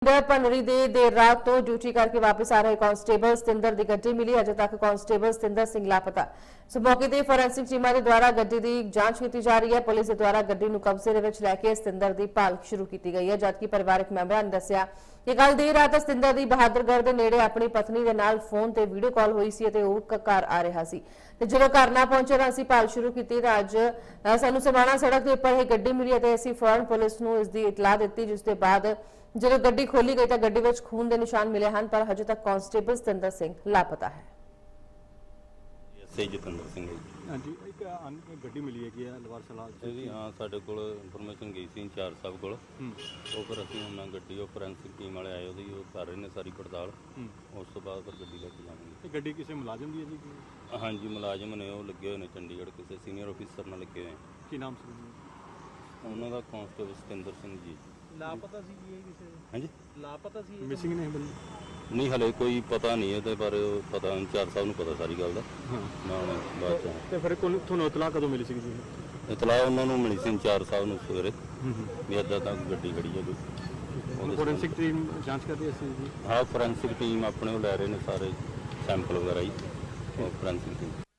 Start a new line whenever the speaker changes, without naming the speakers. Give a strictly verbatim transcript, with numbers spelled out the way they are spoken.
ਭੰਨਰੀ ਦੇ ਦੇਰ ਰਾਤ ਤੋਂ ਡਿਊਟੀ ਕਰਕੇ ਵਾਪਸ ਆ ਰਹੇ ਕਾਂਸਟੇਬਲ ਸਤਿੰਦਰ ਦੀ ਗੱਡੀ ਮਿਲੀ। ਅਜੇ ਤੱਕ ਕਾਂਸਟੇਬਲ ਸਤਿੰਦਰ ਸਿੰਘ ਲਾਪਤਾ। ਸੋ ਮੌਕੇ ਤੇ ਫੋਰੈਂਸਿਕ ਟੀਮਾਂ ਦੇ ਦੁਆਰਾ ਗੱਡੀ ਦੀ ਜਾਂਚ ਕੀਤੀ ਜਾ ਰਹੀ ਹੈ। ਪੁਲਿਸ ਦੇ ਦੁਆਰਾ ਗੱਡੀ ਨੂੰ ਕਬਜ਼ੇ ਦੇ ਵਿੱਚ ਲੈ ਕੇ ਸਤਿੰਦਰ ਦੀ ਭਾਲ ਸ਼ੁਰੂ ਕੀਤੀ ਗਈ ਹੈ, ਜਦਕਿ ਪਰਿਵਾਰਕ ਮੈਂਬਰਾਂ ਨੇ ਦੱਸਿਆ ਕਿ ਕੱਲ ਦੇਰ ਰਾਤ ਸਤਿੰਦਰ ਦੀ ਬਹਾਦਰਗੜ੍ਹ ਦੇ ਨੇੜੇ ਆਪਣੀ ਪਤਨੀ ਦੇ ਨਾਲ ਫੋਨ ਤੇ ਵੀਡੀਓ ਕਾਲ ਹੋਈ ਸੀ ਅਤੇ ਉਹ ਘਰ ਆ ਰਿਹਾ ਸੀ ਤੇ ਜਦੋਂ ਘਰ ਨਾ ਪਹੁੰਚੇ ਤਾਂ ਅਸੀਂ ਭਾਲ ਸ਼ੁਰੂ ਕੀਤੀ ਤਾਂ ਅੱਜ ਸਾਨੂੰ ਸਮਾਣਾ ਸੜਕ ਦੇ ਉੱਪਰ ਇਹ ਗੱਡੀ ਮਿਲੀ ਅਤੇ ਅਸੀਂ ਫੌਰਨ ਪੁਲਿਸ ਨੂੰ ਇਸ ਦੀ ਇਤਲਾਹ ਦਿੱਤੀ, ਜਿਸ ਦੇ ਬਾਅਦ ਜਦੋਂ ਗੱਡੀ ਖੋਲੀ ਗਈ ਤਾਂ ਗੱਡੀ ਵਿੱਚ ਖੂਨ ਦੇ ਨਿਸ਼ਾਨ ਮਿਲੇ ਹਨ, ਪਰ ਹਜੇ ਤੱਕ ਕਾਂਸਟੇਬਲ ਸਤਿੰਦਰ ਸਿੰਘ ਲਾਪਤਾ ਹੈ।
ਸੇ ਜਤਿੰਦਰ ਸਿੰਘ ਜੀ।
ਹਾਂਜੀ, ਇੱਕ ਗੱਡੀ ਮਿਲੀ ਹੈਗੀ ਆ ਲਵਾਰ ਸਲਾਲ ਚ
ਜੀ। ਹਾਂ, ਸਾਡੇ ਕੋਲ ਇਨਫੋਰਮੇਸ਼ਨ ਗਈ ਸੀ ਇੰਚਾਰਜ ਸਾਹਿਬ ਕੋਲ। ਉਹ ਫਿਰ ਅਸੀਂ ਉਹਨਾਂ ਗੱਡੀ ਉਹ ਫੋਰੈਂਸਿਕ ਟੀਮ ਵਾਲੇ ਆਏ, ਉਹਦੀ ਉਹ ਕਰ ਰਹੇ ਨੇ ਸਾਰੀ ਪੜਤਾਲ। ਉਸ ਤੋਂ ਬਾਅਦ ਫਿਰ ਗੱਡੀ ਲੈ ਕੇ ਜਾਵਾਂਗੇ।
ਇਹ ਗੱਡੀ ਕਿਸੇ ਮੁਲਾਜ਼ਮ ਦੀ ਹੈ ਜੀ?
ਹਾਂਜੀ, ਮੁਲਾਜ਼ਮ ਨੇ, ਉਹ ਲੱਗੇ ਹੋਏ ਨੇ ਚੰਡੀਗੜ੍ਹ, ਕਿਸੇ ਸੀਨੀਅਰ ਆਫੀਸਰ ਨਾਲ ਲੱਗੇ ਹੋਏ।
ਕੀ ਨਾਮ ਸੀ ਜੀ
ਉਹਨਾਂ ਦਾ? ਕਾਂਸਟੇਬਲ ਸਤਿੰਦਰ ਸਿੰਘ ਜੀ।
ਲਾਪਤਾ ਸੀ ਜੀ ਇਹ ਕਿਸੇ?
ਹਾਂਜੀ,
ਲਾਪਤਾ ਸੀ,
ਮਿਸਿੰਗ ਨੇ ਬੰਦੇ?
ਨਹੀਂ, ਹਲੇ ਕੋਈ ਪਤਾ ਨਹੀਂ ਇਹਦੇ ਬਾਰੇ। ਪਤਾ ਇੰਚਾਰਜ ਸਾਹਿਬ ਨੂੰ ਪਤਾ ਸਾਰੀ ਗੱਲ ਦਾ।
ਹਾਂ,
ਮੈਂ ਹੁਣ ਬਾਅਦ ਚ
ਤੇ ਫਿਰ ਕੋਲ ਤੁਹਾਨੂੰ ਇਤਲਾਹ ਕਦੋਂ ਮਿਲੀ ਸੀ ਜੀ?
ਇਤਲਾਹ ਉਹਨਾਂ ਨੂੰ ਮਿਲੀ ਸੀ ਇੰਚਾਰਜ ਸਾਹਿਬ ਨੂੰ ਸਵੇਰੇ ਵੀ ਇੱਦਾਂ ਤਾਂ ਗੱਡੀ ਖੜੀ ਹੈ ਕੋਈ।
ਫੋਰੈਂਸਿਕ ਟੀਮ ਜਾਂਚ ਕਰ ਰਹੀ ਸੀ ਜੀ?
ਹਾਂ, ਫੋਰੈਂਸਿਕ ਟੀਮ ਆਪਣੇ ਉਹ ਲੈ ਰਹੇ ਨੇ ਸਾਰੇ ਸੈਂਪਲ ਵਗੈਰਾ ਜੀ, ਫੋਰੈਂਸਿਕ ਟੀਮ।